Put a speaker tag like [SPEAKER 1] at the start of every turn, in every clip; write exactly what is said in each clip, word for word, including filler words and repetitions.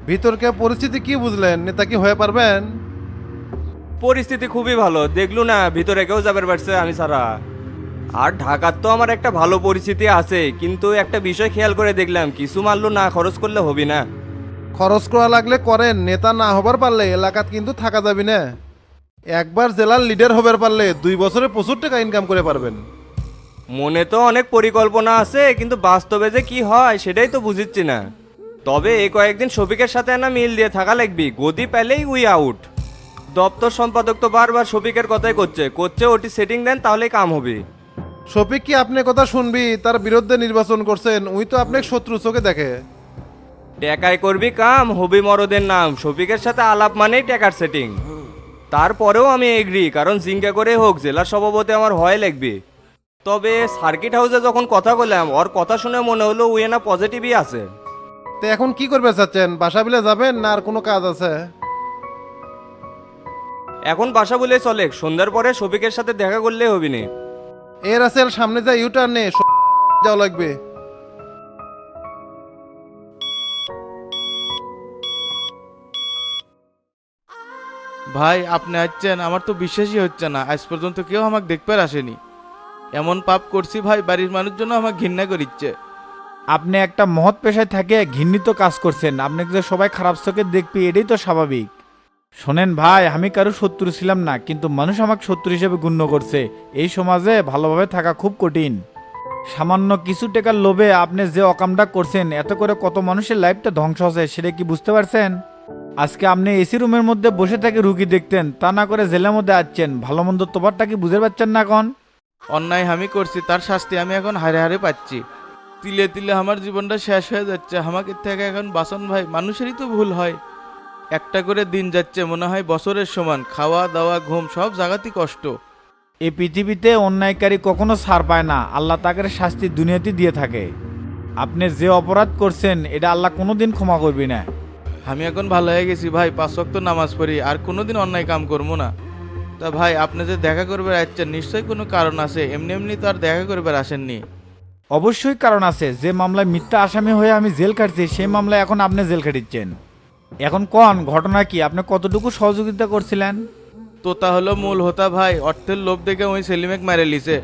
[SPEAKER 1] ভিতরকে পরিস্থিতি কি বুঝলেন? নেতা কি হয়ে পারবেন?
[SPEAKER 2] পরিস্থিতি খুবই ভালো, দেখলু না ভিতরে কেউ যাবে পারছে আমি ছাড়া। আর ঢাকার তো আমার একটা ভালো পরিস্থিতি আছে, কিন্তু একটা বিষয় খেয়াল করে দেখলাম কিছু মারলো না খরচ করলে হবি না।
[SPEAKER 1] খরচ করা লাগলে করেন, নেতা না হবার পারলে এলাকাত কিন্তু থাকা যাবে না। একবার জেলার লিডার হবার পারলে দুই বছরে প্রচুর টাকা ইনকাম করে পারবেন।
[SPEAKER 2] মনে তো অনেক পরিকল্পনা আছে, কিন্তু বাস্তবে যে কি হয় সেটাই তো বুঝিচ্ছি না। তবে এই কয়েকদিন শফিকের সাথে না মিল দিয়ে থাকা লাগবি, গদি পেলেই উই আউট। দপ্তর সম্পাদক তো বারবার শফিকের কথাই করছে করছে ওটি সেটিং দেন তাহলেই কাম হবে।
[SPEAKER 1] শফিক কি আপনি কথা শুনবি? তার বিরুদ্ধে নির্বাচন করছেন, উই তো আপনাকে শত্রু চোখে দেখে।
[SPEAKER 2] টেকাই করবি কাম, হবি মরদের নাম। শফিকের সাথে আলাপ মানেই টেকার সেটিং। তারপরেও আমি এগ্রি, কারণ জিঙ্কা করে হোক জেলার সভাপতি আমার ভয় লাগবে। তবে সার্কিট হাউসে যখন কথা বললাম ওর কথা শুনে মনে হলো উই না পজিটিভই আছে।
[SPEAKER 1] তো এখন কি করবে চাচ্ছেন? বাসা বিলে যাবেন না আর কোনো কাজ আছে?
[SPEAKER 2] এখন বাসা বলে চলে, সন্ধ্যার পরে শফিকের সাথে দেখা করলেই হবি নি।
[SPEAKER 1] এর আসেল সামনে যা ইউটার্ন নে যাওয়া লাগবে।
[SPEAKER 3] ভাই আপনি আসছেন, আমার তো বিশ্বাসই হচ্ছে না। আজ পর্যন্ত কেউ আমাকে দেখতে আসেনি। এমন পাপ করছি ভাই, বাড়ির মানুষজন আমাকে ঘৃণা করিচ্ছে।
[SPEAKER 4] আপনি একটা মহৎ পেশায় থাকে ঘৃণিত কাজ করছেন, আপনাকে যে সবাই খারাপ চোখে দেখবি এটাই তো স্বাভাবিক। শোনেন ভাই, আমি কারো শত্রু ছিলাম না, কিন্তু মানুষ আমাকে শত্রু হিসেবে গণ্য করছে। এই সমাজে ভালোভাবে থাকা খুব কঠিন। সামান্য কিছু টাকার লোভে আপনি যে অকামটা করছেন, এত করে কত মানুষের লাইফটা ধ্বংস হচ্ছে সেটা কি বুঝতে পারছেন? আজকে আপনি এসি রুমের মধ্যে বসে থেকে রুগী দেখতেন, তা না করে জেলের মধ্যে আসছেন। ভালো মন্দ তোবারটা কি বুঝতে পারছেন না এখন?
[SPEAKER 3] অন্যায় আমি করছি, তার শাস্তি আমি এখন হারে হারে পাচ্ছি। তিলে তিলে আমার জীবনটা শেষ হয়ে যাচ্ছে। আমাকে থেকে এখন বাসন ভাই, মানুষেরই তো ভুল হয়। একটা করে দিন যাচ্ছে মনে হয় বছরের সমান। খাওয়া দাওয়া ঘুম সব জায়গাতেই কষ্ট।
[SPEAKER 4] এই পৃথিবীতে অন্যায়কারী কখনো ছাড় পায় না, আল্লাহ তাকে শাস্তি দুনিয়াতে দিয়ে থাকে। আপনি যে অপরাধ করছেন এটা আল্লাহ কোনোদিন ক্ষমা করবি না।
[SPEAKER 3] আমি এখন ভালো হয়ে গেছি ভাই, পাঁচ ওয়াক্ত নামাজ পড়ি, আর কোনোদিন অন্যায় কাম করবো না। তা ভাই আপনি যে দেখা করবে আসছেন, নিশ্চয়ই কোনো কারণ আছে। এমনি এমনি তো আর দেখা করবে আসেননি।
[SPEAKER 4] অবশ্যই কারণ আছে। যে মামলায় মিথ্যা আসামি হয়ে আমি জেল খাটছি, সেই মামলায় এখন আপনি জেল খাটিচ্ছেন। এখন কোন ঘটনা কি, আপনি কতটুকু সহযোগিতা করছিলেন?
[SPEAKER 3] তোতা হলো মূল হোতা ভাই, অর্থের লোভ দেখে ওই সেলিমেক মেরে লিছে।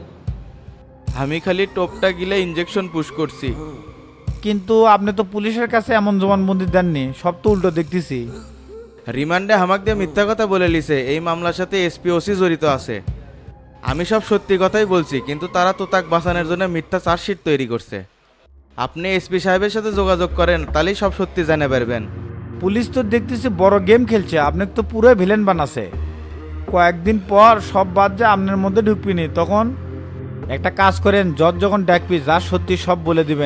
[SPEAKER 3] আমি খালি টোপটা গিলে ইঞ্জেকশন পুশ করছি।
[SPEAKER 4] কিন্তু আপনি তো পুলিশের কাছে এমন জবানবন্দি দেননি, সব তো উল্টো দেখতেছি।
[SPEAKER 3] রিমান্ডে হামাক দিয়ে মিথ্যা কথা বলে লিছে। এই মামলার সাথে এসপি ওসি জড়িত আছে। আমি সব সত্যি কথাই বলছি, কিন্তু তারা তো তাক বাঁচানোর জন্য মিথ্যা চার্জশিট তৈরি করছে। আপনি এসপি সাহেবের সাথে যোগাযোগ করেন, তাহলেই সব সত্যি জানে পারবেন।
[SPEAKER 4] পুলিশ তো দেখতেছি বড় গেম খেলছে, আপনাকে তো পুরো ভিলেন বানাছে। কয়েকদিন পর সব বাদ যা আপনার মধ্যে ঢুকবিনি, তখন একটা কাজ করেন, জজ যখন ডাকবি যা সত্যি সব বলে দিবেন।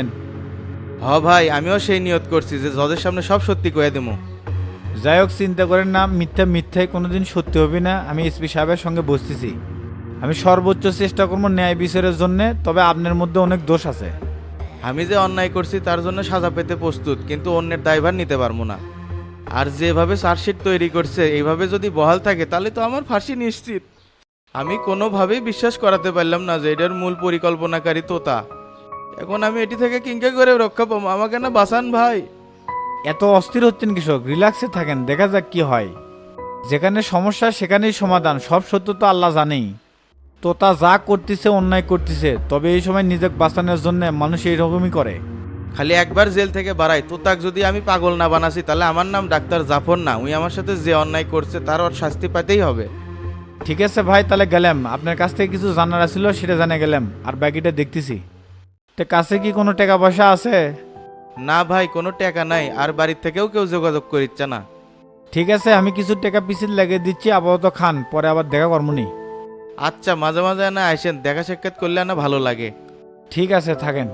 [SPEAKER 3] হ ভাই, আমিও সেই নিয়ত করছি যে জজের সামনে সব সত্যি কয়ে দেবো।
[SPEAKER 4] যাই হোক, চিন্তা করেন না, মিথ্যা মিথ্যাই কোনোদিন সত্যি হবে না। আমি এসপি সাহেবের সঙ্গে বসতেছি, আমি সর্বোচ্চ চেষ্টা করবো ন্যায় বিচারের জন্য। তবে আপনার মধ্যে অনেক দোষ আছে।
[SPEAKER 3] আমি যে অন্যায় করছি তার জন্য সাজা পেতে প্রস্তুত, কিন্তু অন্যের দায়ভার নিতে পারবো না। আর যেভাবে চার্জশিট তৈরি করছে এইভাবে যদি বহাল থাকে তাহলে তো আমার ফাঁসি নিশ্চিত। আমি কোনোভাবেই বিশ্বাস করাতে পারলাম না যে এটার মূল পরিকল্পনাকারী তোতা। এখন আমি এটি থেকে কিংকা করে রক্ষা পাবো, আমাকে না বাঁচান ভাই।
[SPEAKER 4] এত অস্থির হচ্ছেন কৃষক, রিল্যাক্সে থাকেন, দেখা যাক কি হয়। যেখানে সমস্যা সেখানেই সমাধান, সব সত্য তো আল্লাহ জানেই। তোতা যা করতেছে অন্যায় করতেছে, তবে এই সময় নিজেকে বাঁচানোর জন্য মানুষ এইরকমই করে।
[SPEAKER 3] খালি একবার জেল থেকে বাড়াই, তোতাক যদি আমি পাগল না বানাসি তাহলে আমার নাম ডাক্তার জাফর না। উনি আমার সাথে যে অন্যায় করছে তার ওর শাস্তি পাইতেই হবে।
[SPEAKER 4] ঠিক আছে ভাই, তাহলে গেলাম। আপনার কাছ থেকে কিছু জানার ছিল সেটা জানে গেলাম, আর বাকিটা দেখতেছি। তো কাছে কি কোনো টাকা পয়সা আছে?
[SPEAKER 3] না ভাই, কোনো টাকা নাই, আর বাড়ির থেকেও কেউ যোগাযোগ করিচ্ছে না।
[SPEAKER 4] ঠিক আছে, আমি কিছু টাকা পিছিয়ে লাগিয়ে দিচ্ছি, আপাতত খান, পরে আবার দেখা কর্মনি।
[SPEAKER 3] আচ্ছা, মাঝে মাঝে না আসেন, দেখা সাক্ষাৎ করলে না ভালো লাগে।
[SPEAKER 4] ঠিক আছে, থাকেন।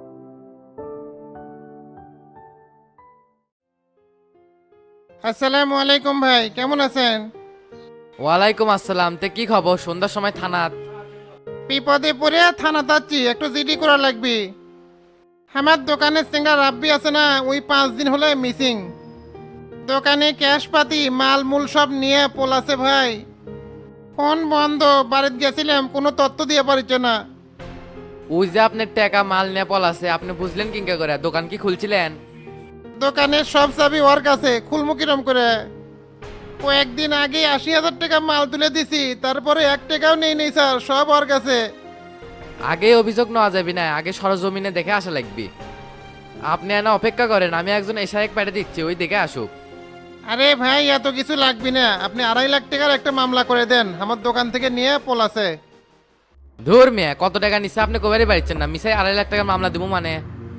[SPEAKER 1] আসসালামু আলাইকুম ভাই, কেমন আছেন?
[SPEAKER 5] ওয়ালাইকুম আসসালাম। তে কি খবর? সন্ধ্যার সময় থানাত?
[SPEAKER 1] বিপদে পড়ে থানা যাচ্ছি, একটু জিডি করা লাগবে। আমার দোকানের সিঙ্গার রাব্বি আছে না, ওই পাঁচ দিন হলে মিসিং। দোকানে ক্যাশ পাতি মাল মূল সব নিয়ে পোলাছে ভাই। ফোন বন্ধ, বাড়িতে গেছিলাম, কোনো তথ্য দিয়ে পারিচ্ছে না।
[SPEAKER 5] ওই যে আপনার টাকা মাল নিয়ে পল আছে, আপনি বুঝলেন কিংকা করে? দোকান কি খুলছিলেন?
[SPEAKER 1] দোকানের সব চাবি ওর কাছে, খুলমু কিরম করে? কয়েকদিন আগে আশি হাজার টাকা মাল তুলে দিছি, তারপরে এক টাকাও নেই নেই স্যার, সব ওর কাছে।
[SPEAKER 5] আগে অভিযোগ নেওয়া যাবে না, আগে সরজমিনে দেখে আসা লাগবে। আপনি এনা অপেক্ষা করেন, আমি একজন এশারেক পাঠিয়ে দিচ্ছি, ওই দেখে আসুক।
[SPEAKER 1] আরে ভাই এত কিছু লাগবে না, আপনি আড়াই লাখ টাকার একটা মামলা করে দেন, আমার দোকান থেকে নিয়ে পলাছে।
[SPEAKER 5] ধুর মিয়া, কত টাকা নিচ্ছে আপনি কবারই বাড়িচ্ছেন না, মিসাই আড়াই লাখ টাকার মামলা দিব মানে?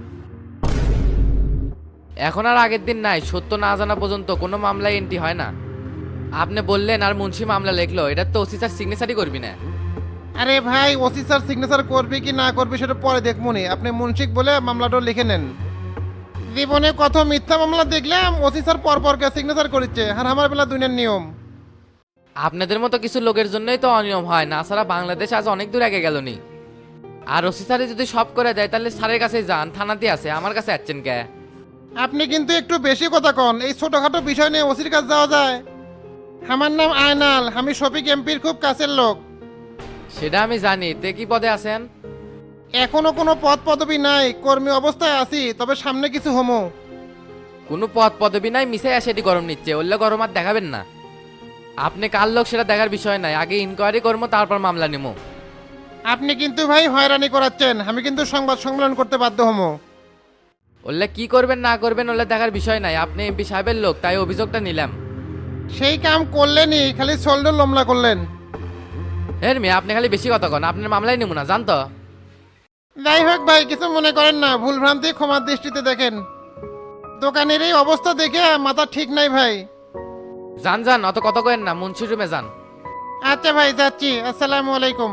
[SPEAKER 5] এখন আর আগের দিন নাই, সত্য না জানা পর্যন্ত কোনো মামলায় এন্ট্রি হয় না। আপনি বললেন আর মুন্সি মামলা লিখলো, এটা তো ওসি স্যার সিগনেচারই করবি না।
[SPEAKER 1] আরে ভাই ওসি স্যার সিগনেচার করবে কি না করবে সেটা পরে দেখবনি, আপনি মুন্সিক বলে মামলাটা লিখে নেন। জীবনে কত মিথ্যা মামলা দেখলাম, ওসি স্যার পর পর সিগনেচার করেছে, আর আমার বেলা দুনিয়ার নিয়ম।
[SPEAKER 5] আপনাদের মতো কিছু লোকের জন্যই তো অনিয়ম হয়, না ছাড়া বাংলাদেশ আজ অনেক দূর আগে গেল নি। আর ওসি স্যারে যদি সব করে দেয় তাহলে স্যারের কাছে যান, থানাতে আছে, আমার কাছে আসছেন কে?
[SPEAKER 1] আপনি কিন্তু একটু বেশি কথা কন, এই ছোটখাটো বিষয় নিয়ে ওসির কাছে যাওয়া যায়? আমার নাম আয়নাল, আমি শফিক এমপির খুব কাছের লোক।
[SPEAKER 5] সেটা আমি জানি, তে কি পদে আছেন?
[SPEAKER 1] এখনো কোনো পদ পদবি নাই, কর্মী অবস্থায় আছি, তবে সামনে কিছু হমো।
[SPEAKER 5] কোনো পদ পদবি নাই, মিশে আসে এটি গরম নিচ্ছে, ওল্লে গরম আর দেখাবেন না। আপনি কার লোক সেটা দেখার বিষয় নাই, আগে ইনকোয়ারি করবো, তারপর মামলা নেবো।
[SPEAKER 1] আপনি কিন্তু ভাই হয়রানি করাচ্ছেন, আমি কিন্তু সংবাদ সম্মেলন করতে বাধ্য হমো।
[SPEAKER 5] ওল্লে কি করবেন না করবেন ওল্লে দেখার বিষয় নাই, আপনি এমপি সাহেবের লোক, তাই অভিযোগটা নিলাম।
[SPEAKER 1] সেই কাম করলেনই, খালি শোল্ডার লমলা করলেন।
[SPEAKER 5] হের মেয়ে, আপনি খালি বেশি কথা কন, আপনার মামলাই নেবো না, জানতো।
[SPEAKER 1] যাই হোক ভাই, কিছু মনে করেন না, ভুল ভ্রান্তি ক্ষমার দৃষ্টিতে দেখেন। দোকানের এই অবস্থা দেখে মাথা ঠিক নাই ভাই।
[SPEAKER 5] যান যান, অত কথা কেন না, মুন্সি রুমে যান।
[SPEAKER 1] আচ্ছা ভাই যাচ্ছি, আসসালামু আলাইকুম।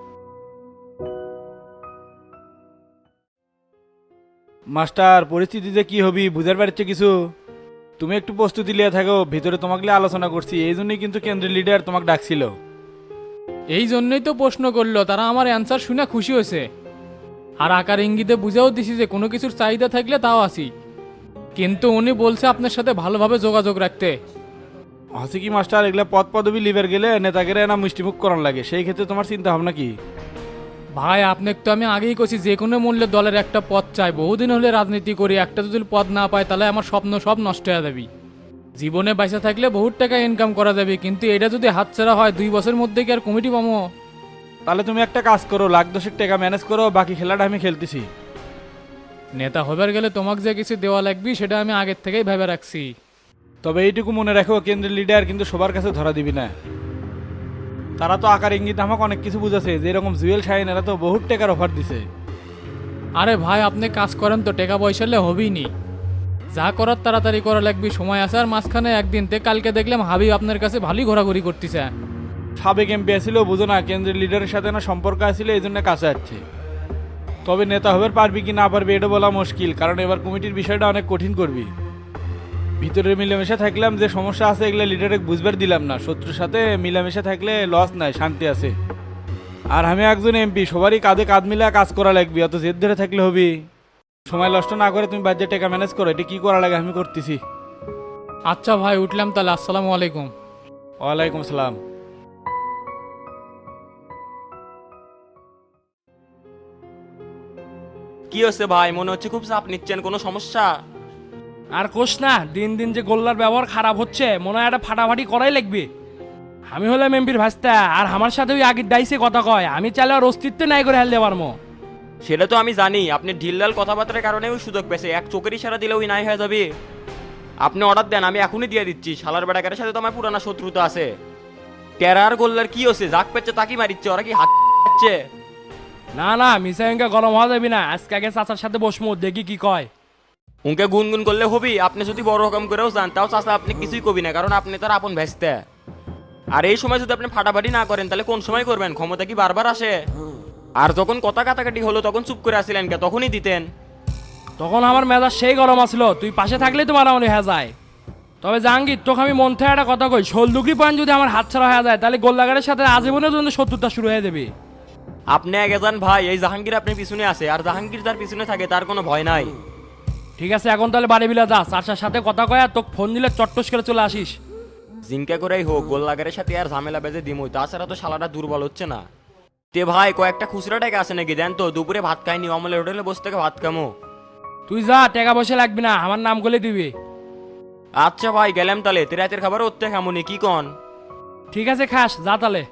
[SPEAKER 4] মাস্টার পরিস্থিতিতে কি হবি বুঝার পারছে কিছু? তুমি একটু প্রস্তুতি লিয়ে থাকো, ভিতরে তোমাকে লিয়ে আলোচনা করছি, এই জন্যই কিন্তু কেন্দ্রীয় লিডার তোমাকে ডাকছিল।
[SPEAKER 6] এই জন্যই তো প্রশ্ন করলো, তারা আমার অ্যান্সার শুনে খুশি হয়েছে। আর আকার ইঙ্গিতে বুঝেও দিছি যে কোনো কিছুর চাহিদা থাকলে তাও আসি, কিন্তু উনি বলছে আপনার সাথে ভালোভাবে যোগাযোগ রাখতে।
[SPEAKER 4] হসে কি মাস্টার, এগুলা পদ পদবি লিভার গেলে নেতাগেরা না মিষ্টিমুখ করান লাগে, সেই ক্ষেত্রে তোমার চিন্তা ভাবনা কি?
[SPEAKER 6] ভাই আপনাকে তো আমি আগেই কছি যে কোনো মূল্যে দলের একটা পদ চাই, বহুদিন হলে রাজনীতি করি, একটা যদি পদ না পাই তাহলে আমার স্বপ্ন সব নষ্ট হয়ে যাবে। জীবনে বাইসা থাকলে বহুত টাকা ইনকাম করা যাবে, কিন্তু এটা যদি হাতছাড়া হয় দুই বছরের মধ্যে কি আর কমিটি পাবো?
[SPEAKER 4] তাহলে তুমি একটা কাজ করো, লাখ দশেক টাকা ম্যানেজ করো, বাকি খেলাটা আমি খেলতেছি।
[SPEAKER 6] নেতা হবার গেলে তোমাকে যে কিছু দেওয়া লাগবে সেটা আমি আগের থেকেই ভেবে রাখছি।
[SPEAKER 4] তবে এইটুকু মনে রাখো, কেন্দ্রের লিডার কিন্তু সবার কাছে ধরা দিবি না। তারা তো আকার ইঙ্গিত আমাকে অনেক কিছু বুঝাছে, যেরকম জুয়েল শাহিন এরা তো বহুত টাকার অফার দিছে।
[SPEAKER 6] আরে ভাই আপনি কাজ করেন তো, টাকা পয়সালে হবেই নি, যা করার তাড়াতাড়ি করা লাগবে, সময় আছে। আর মাঝখানে একদিন তে কালকে দেখলাম হাবিব আপনার কাছে ভালোই ঘোরাঘুরি করতেছে।
[SPEAKER 4] সাবেক এমপি ছিল, বুঝো না, কেন্দ্রের লিডারের সাথে না সম্পর্ক আছিল, এই জন্য কাছে যাচ্ছে। তবে নেতা হবার পারবি কি না পারবি এটা বলা মুশকিল, কারণ এবার কমিটির বিষয়টা অনেক কঠিন করবি। ভিতরে মিলেমিশে থাকলাম, যে সমস্যা আছে এগুলো লিডারে বুঝবার দিলাম না। শত্রুর সাথে মিলেমিশে থাকলে লস নাই, শান্তি আছে। আর আমি একজন এমপি, সবারই কাঁধে কাঁধ মিলে কাজ করা লাগবে, অত জেদ ধরে থাকলে হবি? সময় নষ্ট না করে তুমি বাজেট টাকা ম্যানেজ করো, এটা কি করা লাগে আমি করতেছি।
[SPEAKER 6] আচ্ছা ভাই উঠলাম তাহলে, আসসালামু আলাইকুম।
[SPEAKER 4] ওয়ালাইকুম সালাম।
[SPEAKER 7] কি হচ্ছে ভাই, মনে হচ্ছে খুব চাপ নিচ্ছেন, কোনো সমস্যা?
[SPEAKER 8] আর কোষ না, দিন দিন যে গোল্লার ব্যবহার খারাপ হচ্ছে, মনে হয় একটা ফাটাফাটি করাই লাগবে। আমি হলাম এমপির ভাস্তা, আর আমার সাথে ওই আগের ডাইসে কথা কয়, আমি চাইলে আর অস্তিত্ব নাই করে হেলতে পারবো।
[SPEAKER 7] সেটা তো আমি জানি, আপনি ঢিললাল কথাবার্তার কারণে ওই সুযোগ পেয়েছে, এক চোখের ইশারা দিলে ওই নাই হয়ে যাবে। আপনি অর্ডার দেন, আমি এখনই দিয়ে দিচ্ছি। শালার বেড়াকারের সাথে তো আমার পুরানা শত্রুতা আছে। টেরার গোল্লার কি হচ্ছে, যাক পেচ্ছে তাকি মারিচ্ছে, ওরা কি হাচ্ছে?
[SPEAKER 8] না না, মিসাইঙ্গা গরম হওয়া যাবি না, আজকে আগে চাচার সাথে বসমু, দেখি কি কয়।
[SPEAKER 7] উনকে গুনগুন করলে হবি, আপনি যদি বড় রকম করেও যান তাও চাচা আপনি কিছুই কবি না, কারণ আপনি তার আপন ভেস্তে। আর এই সময় যদি আপনি ফাটাফাটি না করেন তাহলে কোন সময় করবেন? ক্ষমতা কি বারবার আসে? আর যখন কথা কাটাকাটি হলো তখন চুপ করে আসছিলেন কে? তখনই দিতেন।
[SPEAKER 8] তখন আমার মেজাজ সেই গরম আসলো, তুই পাশে থাকলেই তো মারামারি হয়ে যায়। তবে জাহাঙ্গীর, তোকে আমি মন থেকে একটা কথা কই, ষোলদুগরি পয়েন্ট যদি আমার হাত ছাড়া হয়ে যায় তাহলে গোল্লাগারের সাথে আজীবনের জন্য শত্রুতা শুরু হয়ে যাবে।
[SPEAKER 7] আপনি আগে যান ভাই, এই জাহাঙ্গীর আপনার পিছনে আছে, আর জাহাঙ্গীর যার পিছনে থাকে তার কোনো ভয় নাই।
[SPEAKER 8] ঠিক আছে, এখন তাহলে বাড়ি বিলা যা, চারটার সাথে কথা কয়, আর তোকে ফোন দিলে চট্টস করে চলে আসিস।
[SPEAKER 7] জিঙ্কা করেই হোক, গোল্লাগারের সাথে আর ঝামেলা বেজে দিমই, তাছাড়া তো শালাটা দুর্বল হচ্ছে না। তে ভাই কয়েকটা খুচরা টাকা আছে নাকি দেন তো, দুপুরে ভাত খাইনি, অমলের হোটেলে বসে থেকে ভাত খামো।
[SPEAKER 8] তুই যা, টাকা পয়সা লাগবে না, আমার নাম করলে দিবি।
[SPEAKER 7] আচ্ছা ভাই গেলাম তাহলে, তে রাতের খাবার ওর থেকে এমনই কি কন?
[SPEAKER 8] ঠিক আছে, খাস, যা তাহলে।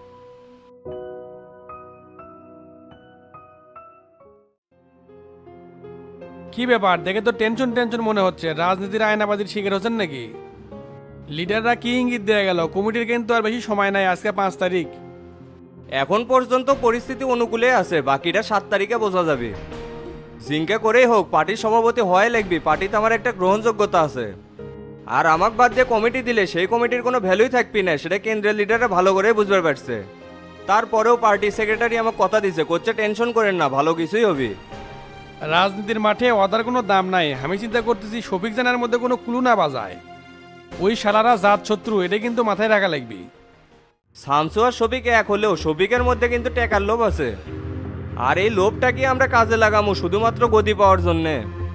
[SPEAKER 9] কি ব্যাপার, দেখে তো টেনশন টেনশন মনে হচ্ছে। রাজনীতির আয়নাবাজির শিকার হচ্ছেন নাকি? লিডাররা কি ইঙ্গিত দেয়া গেল? কমিটির কিন্তু আর বেশি সময় নাই, আজকে পাঁচ তারিখ।
[SPEAKER 2] এখন পর্যন্ত পরিস্থিতি অনুকূলে আছে, বাকিটা সাত তারিখে বোঝা যাবে। জিঙ্কা করেই হোক পার্টির সভাপতি হয় লাগবে, পার্টিতে আমার একটা গ্রহণযোগ্যতা আছে। আর আমাকে বাদ দিয়ে কমিটি দিলে সেই কমিটির কোনো ভ্যালুই থাকবি না, সেটা কেন্দ্রীয় লিডাররা ভালো করে বুঝতে পারছে। তারপরেও পার্টি সেক্রেটারি আমাকে কথা দিছে, করছে টেনশন করেন না, ভালো কিছুই হবে।
[SPEAKER 9] রাজনীতির মাঠে অদার কোনো দাম নাই। আমি চিন্তা করতেছি শফিক জানার মধ্যে কোনো ক্লু না বাজায়। ওই শালারা জাত শত্রু, এটা কিন্তু মাথায় রাখা লাগবে।
[SPEAKER 2] শামসু আর শফিক এক হলেও শফিকের মধ্যে কিন্তু টাকার লোভ আছে। আর এই লোভটাকে আমরা কাজে লাগামো শুধুমাত্র গদি পাওয়ার জন্যে।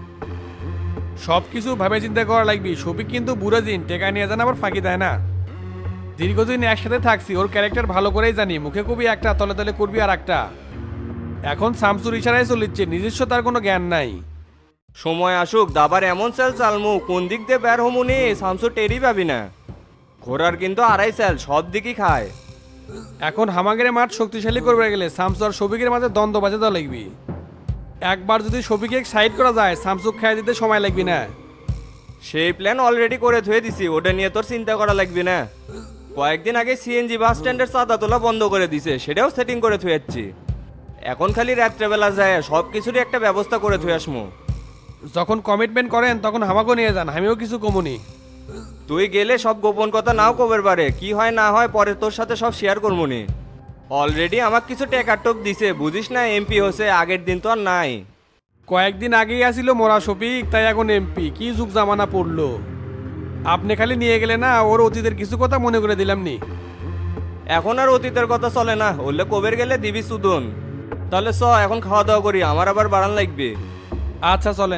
[SPEAKER 9] সব কিছু ভাবে চিন্তা করা লাগবে। শফিক কিন্তু বুড়ো দিন টেকা নিয়ে যান, আবার ফাঁকি দেয় না। দীর্ঘদিন একসাথে থাকছি, ওর ক্যারেক্টার ভালো করেই জানি। মুখে কবি একটা, তলে তলে করবি আর একটা। এখন শামসুর ইশারায় চলিচ্ছে, নিজস্ব তার কোনো জ্ঞান নাই।
[SPEAKER 2] সময় আসুক, দাবার এমন চাল চালমু কোন দিক দিয়ে বের হমুনি শামসু টেরই পাবি না। ঘোড়ার কিন্তু আড়াই চাল, সব দিকই খায়।
[SPEAKER 9] এখন হামাগের মাঠ শক্তিশালী করবে গেলে শামসু আর শফিকের মাঝে দ্বন্দ্ব বাজে দেওয়া লাগবে। একবার যদি শফিকে সাইড করা যায়, শামসুক খাই দিতে সময় লাগবে না।
[SPEAKER 2] সেই প্ল্যান অলরেডি করে থুয়ে দিছি, ওটা নিয়ে তোর চিন্তা করা লাগবে না। কয়েকদিন আগে সিএনজি বাস স্ট্যান্ডের চাঁদা তোলা বন্ধ করে দিছে, সেটাও সেটিং করে থুয়েছি। এখন খালি রাত্রেবেলা যায় সব কিছুরই একটা ব্যবস্থা করে থুয়ে আসমু।
[SPEAKER 9] যখন কমিটমেন্ট করেন তখন হামাকেও নিয়ে যান, আমিও কিছু কমুনি।
[SPEAKER 2] তুই গেলে সব গোপন কথা নাও কবের পারে, কি হয় না হয় পরে তোর সাথে সব শেয়ার করবনি। অলরেডি আমাকে কিছু টেকার টোপ দিছে, বুঝিস না এমপি হচ্ছে, আগের দিন তো আর নাই।
[SPEAKER 9] কয়েকদিন আগেই আসিল মোরা শফিক, তাই এখন এমপি। কি যুগ জামানা পড়লো। আপনি খালি নিয়ে গেলে না, ওর অতীতের কিছু কথা মনে করে দিলাম নি।
[SPEAKER 2] এখন আর অতীতের কথা চলে না, হলে কবের গেলে দিবি সুদন। তাহলে চ এখন খাওয়া দাওয়া করি, আমার আবার বাড়ান লাগবে।
[SPEAKER 9] আচ্ছা চলেন।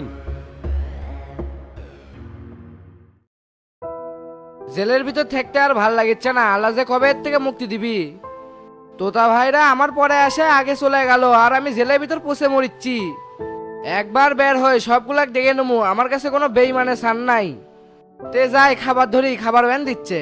[SPEAKER 10] জেলের ভিতর থাকতে আর ভাল লাগিচ্ছে না, আল্লাহ যে কবে এর থেকে মুক্তি দিবি। তোতা ভাইরা আমার পরে আসে আগে চলে গেল, আর আমি জেলের ভিতর পচে মরিচ্ছি। একবার বের হয়ে সবগুলাক দেখে নেবো, আমার কাছে কোনো বেইমানে সান নাই। তে যাই খাবার ধরি, খাবার ভ্যান দিচ্ছে।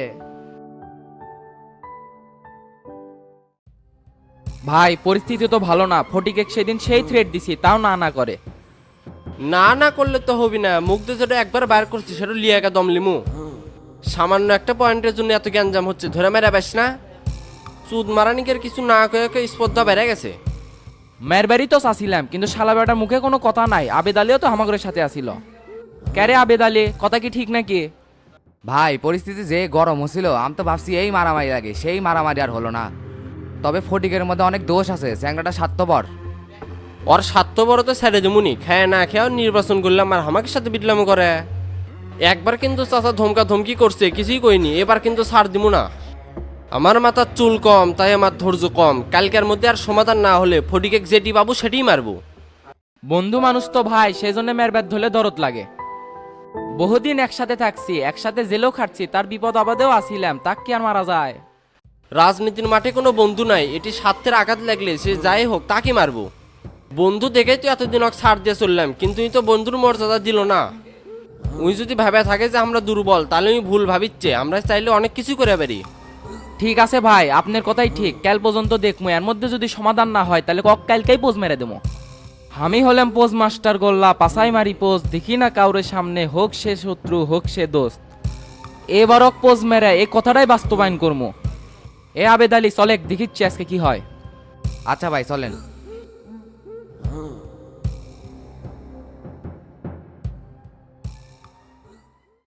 [SPEAKER 5] ভাই পরিস্থিতি তো ভালো না, ফটিকে সেদিন সেই থ্রেট দিছি, তাও না না করে।
[SPEAKER 11] না না করলে তো হবি না, মুখ দিয়ে যেটা একবার বার করছি সেটা লিয়াকা দম লিমু। সামান্য একটা পয়েন্টের জন্য এত গ্যাঞ্জাম হচ্ছে, ধরে মেরা বেশ না। চুদ মারানিকের কিছু না কয়ে স্পর্ধা বেড়ে গেছে।
[SPEAKER 5] মেরবারি তো চাচ্ছিলাম, কিন্তু শালা বেটার মুখে কোনো কথা নাই। আবেদ আলীও তো হামাগরের সাথে আসিল। ক্যারে আবেদ আলী, কথা কি ঠিক নাকি?
[SPEAKER 10] ভাই পরিস্থিতি যে গরম হচ্ছিল, আমি তো ভাবছি এই মারামারি লাগে, সেই মারামারি আর হলো না। তবে ফটিকের মধ্যে অনেক দোষ আছে, চ্যাংরাটা স্বার্থপর।
[SPEAKER 11] ওর স্বার্থ বড় তো ছেড়ে দেমুনি, খায় না খেয়েও নির্বাচন করলাম আর আমাকে সাথে বিটলাম করে। একবার কিন্তু চাচা ধমকা ধমকি করছে, কিছুই কইনি। এবার কিন্তু ছাড় দিমু না। আমার মাথার চুল কম, তাই আমার ধৈর্য কম। কালকের মধ্যে আর সমাধান না হলে ফটিকে যেটি পাবো সেটিই মারবো।
[SPEAKER 5] বন্ধু মানুষ তো ভাই, সেই জন্য মেরবাদ ধরলে দরদ লাগে। বহুদিন একসাথে থাকছি, একসাথে জেলেও খাটছি, তার বিপদ আপদেও আসিলাম, তাক কি আর মারা যায়?
[SPEAKER 11] রাজনীতির মাঠে কোনো বন্ধু নাই, এটি স্বার্থের আঘাত লাগলে সে যাই হোক তাকে মারবো। বন্ধু দেখেই তো এতদিন ওকে ছাড় দিয়ে চললাম, কিন্তু উনি তো বন্ধুর মর্যাদা দিল না। উনি যদি ভাবে থাকে যে আমরা দুর্বল, তাহলে উনি ভুল ভাবিচ্ছে। আমরা চাইলে অনেক কিছু করে পারি।
[SPEAKER 5] ঠিক আছে ভাই, আপনার কথাই ঠিক। কাল পর্যন্ত দেখবো, এর মধ্যে যদি সমাধান না হয় তাহলে কক কালকেই পোজ মেরে দেবো। আমি হলাম পোজ মাস্টার গোল্লা, পাসাই মারি পোজ, দেখি না কাউরে সামনে, হোক সে শত্রু হোক সে দোস্ত। এবারও পোজ মেরে এই কথাটাই বাস্তবায়ন করবো। এ আবেদ আলী চলেক, দেখিচ্ছি আজকে কি হয়।
[SPEAKER 10] আচ্ছা ভাই চলেন।